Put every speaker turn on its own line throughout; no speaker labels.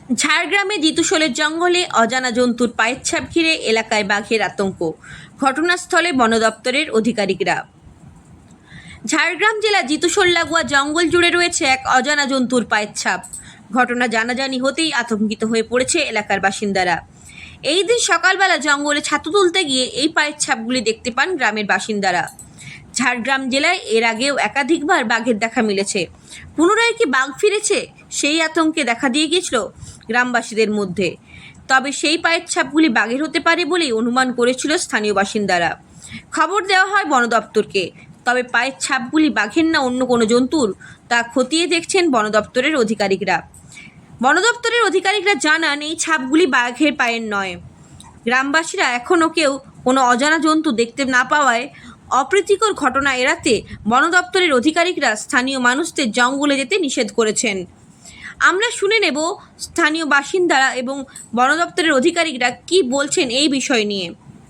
ঝাড়গ্রামে জিতুশোলের জঙ্গলে অজানা জন্তুর পায়ের ছাপ ঘিরে এলাকায় বাঘের আতঙ্ক। ঘটনাস্থলে বন দপ্তরের আধিকারিকরা। ঝাড়গ্রাম জেলা জিতুশোল লাগোয়া জঙ্গল জুড়ে রয়েছে এক অজানা জন্তুর পায়ের ছাপ। ঘটনা জানাজানি হতেই আতঙ্কিত হয়ে পড়েছে এলাকার বাসিন্দারা। এই দিন সকালবেলা জঙ্গলে ছাতু তুলতে গিয়ে এই পায়ের ছাপগুলি দেখতে পান গ্রামের বাসিন্দারা। ঝাড়গ্রাম জেলায় এর আগেও একাধিকবার বাঘের দেখা মিলেছে। পুনরায় কি বাঘ ফিরেছে, সেই আতঙ্কে দেখা দিয়ে গিয়েছিল গ্রামবাসীদের মধ্যে। তবে সেই পায়ের ছাপগুলি বাঘের হতে পারে বলেই অনুমান করেছিল স্থানীয় বাসিন্দারা। খবর দেওয়া হয় বন দপ্তরকে। তবে পায়ের ছাপগুলি বাঘের না অন্য কোনো জন্তুর তা খতিয়ে দেখছেন বন দপ্তরের আধিকারিকরা। বন দপ্তরের আধিকারিকরা জানান, এই ছাপগুলি বাঘের পায়ের নয়। গ্রামবাসীরা এখনও কেউ কোনো অজানা জন্তু দেখতে না পাওয়ায় অপ্রীতিকর ঘটনা এড়াতে বন দপ্তরের আধিকারিকরা স্থানীয় মানুষদের জঙ্গলে যেতে নিষেধ করেছেন। আমরা শুনে নেব স্থানীয় বাসিন্দারা এবং বন দপ্তরের আধিকারিকরা কি বলছেন এই বিষয় নিয়ে।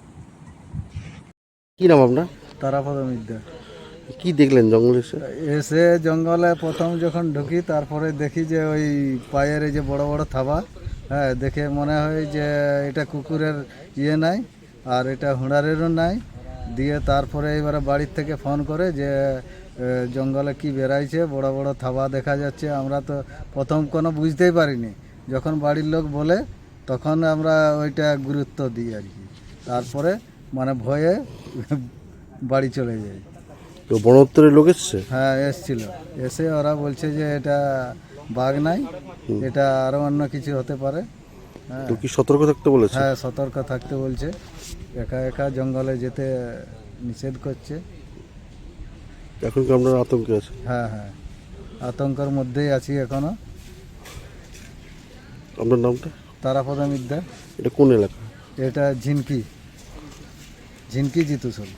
কি নাম আপনার?
তারাপদ মিদ্যা।
কি দেখলেন জঙ্গলে এসে?
এসে জঙ্গলে প্রথম যখন ঢুকি তারপরে দেখি যে ওই পায়ের এই যে বড় বড় থাবা, হ্যাঁ, দেখে মনে হয় যে এটা কুকুরের ইয়ে নাই আর এটা হুঁড়ারেরও নাই। দিয়ে তারপরে এবারে বাড়ির থেকে ফোন করে যে জঙ্গলে কি বেরাইছে, বড় বড় থাবা দেখা যাচ্ছে। আমরা তো প্রথম কোনো বুঝতেই পারিনি, যখন বাড়ির লোক বলে তখন আমরা ওইটা গুরুত্ব দিই আর কি। তারপরে মানে ভয়ে বাড়ি চলে যাই।
তো বন দপ্তরের লোক এসছে?
হ্যাঁ, এসছিল। এসে ওরা বলছে যে এটা বাঘ নাই, এটা আরও অন্য কিছু হতে পারে। হ্যাঁ,
তো কি সতর্ক থাকতে বলেছে?
হ্যাঁ, সতর্ক থাকতে বলছে। একা একা জঙ্গলে যেতে নিষেধ করছে।
এখন কি আপনার আতঙ্কে আছে?
হ্যাঁ হ্যাঁ, আতঙ্কের মধ্যেই আছি এখনো।
আপনার নামটা?
তারাপদ মিদ্যা।
এটা কোন এলাকা?
এটা ঝিনকি জিতুশোল।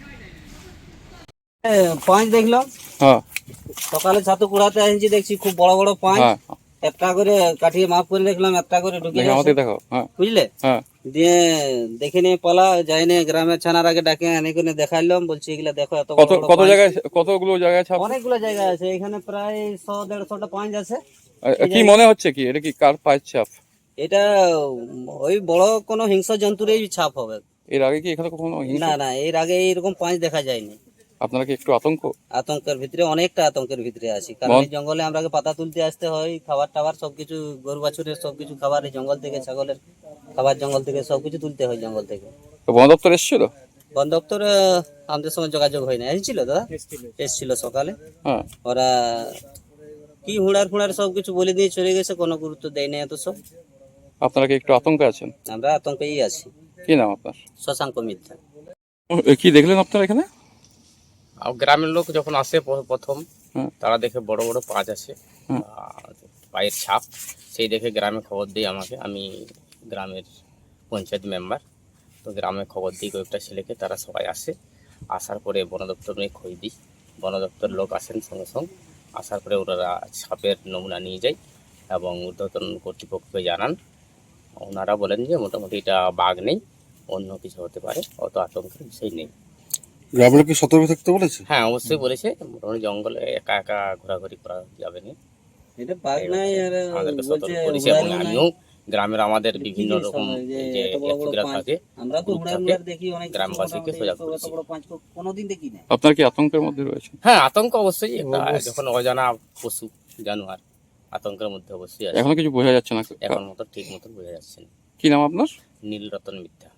পাঁচ দেখলাম।
হ্যাঁ
সকালে ছাতু কুড়াতে আসছি, দেখছি খুব বড় বড় পাঁচ।
হ্যাঁ
একটা করে কাঠিয়ে মাপ করে দেখলাম, একটা করে ঢুকিয়ে
দেখে আমাকে দেখো। হ্যাঁ
বুঝলে।
হ্যাঁ
দিয়ে দেখে নিয়ে পালা যাই নিয়ে গ্রামের ছানার আগে ডাকে এনে করে দেখাইলাম, বলছি এগুলা দেখো এত বড়
কত
বড়
কত
পাঁচ।
জায়গায়, কতগুলো জায়গায় ছাপ?
অনেকগুলো জায়গা আছে এখানে, প্রায় 100-150টা পাঁচ আছে।
কি মনে হচ্ছে কি এটা কি কার পায়ের ছাপ?
এটা ওই বড় কোনো হিংস্র জন্তুরই ছাপ হবে।
এর আগে কি এখানে কখনো হিংসা?
না না, এর আগে এইরকম পাঁচ দেখা যায়নি।
আপনারা কি একটু আতঙ্ক?
আতঙ্কের ভিতরে, অনেকটা আতঙ্কের ভিতরে আছি। কারণ এই জঙ্গলে আমরা পাতা তুলতে আসতে হয়, খাবার টাবার সবকিছু, গরু বাছুরের সবকিছু খাবার এই জঙ্গল থেকে, ছাগলের খাবার জঙ্গল থেকে সবকিছু তুলতে হয় জঙ্গল থেকে।
তো বন দপ্তর এসেছিল?
বন দপ্তর আমাদের সঙ্গে যোগাযোগ হয় না। এসেছিল দাদা, এসেছিল সকালে।
হ্যাঁ
ওরা কি হুড়ার ফুড়ার সবকিছু বলে দিয়ে চলে গেছে, কোনো গুরুত্ব দেয় না এত সব।
আপনারা কি একটু আতঙ্কে আছেন?
আমরা আতঙ্কেই আছি।
কি নাম আপনার?
শশাঙ্ক মিথ্যা।
কি দেখলেন আপনারা এখানে?
আর গ্রামের লোক যখন আসে প্রথম,
হুম।
তারা দেখে বড় বড় পাঁচ আছে,
হুম।
পায়ের ছাপ। সেই দেখে গ্রামে খবর দিই আমাকে, আমি গ্রামের পঞ্চায়েত মেম্বার। তো গ্রামে খবর দিই কয়েকটা ছেলেকে, তারা সবাই আসে। আসার পরে বন দপ্তর নিয়ে খোঁজ দিই। বন দপ্তর লোক আসেন সঙ্গে সঙ্গে। আসার পরে ওনারা ছাপের নমুনা নিয়ে যায় এবং ঊর্ধ্বতন কর্তৃপক্ষকে জানান। ওনারা বলেন যে মোটামুটি এটা বাঘ নেই, অন্য কিছু হতে পারে, অত আতঙ্কের বিষয় নেই।
গ্রামের লোক কি সতর্ক থাকতে বলেছে?
হ্যাঁ, অবশ্যই বলেছে। মোটামুটি জঙ্গলে একা একা ঘোরাঘুরি করা যাবে না,
এটা বাঘ নাই, আর
আমাদেরকে
বলছে
সতর্ক করেছে। এবং
হুড়ারও নাই।
আমিও গ্রামের আমাদের বিভিন্ন
কি
রকম
সময় যে
যে
এত বড় বড়
ব্যক্তিরা
পাঁচ।
থাকে,
আমরা তো
গ্রুপ
হুড়ার
থাকে,
মুড়ার দেখি অনেক,
গ্রামবাসীকে সজাগ
এত
করেছি।
বড় পাঁচ কোনোদিন দেখি না।
আপনার কি আতঙ্কের মধ্যে রয়েছে?
হ্যাঁ, আতঙ্ক অবশ্যই। একটা যখন অজানা পশু জানোয়ার, আতঙ্কের মধ্যে অবশ্যই আছে।
এখনো কিছু বোঝা যাচ্ছে না।
এখন মতো ঠিক মতো বোঝা যাচ্ছে না।
কি নাম আপনার?
নীলরতন মিথ্যা।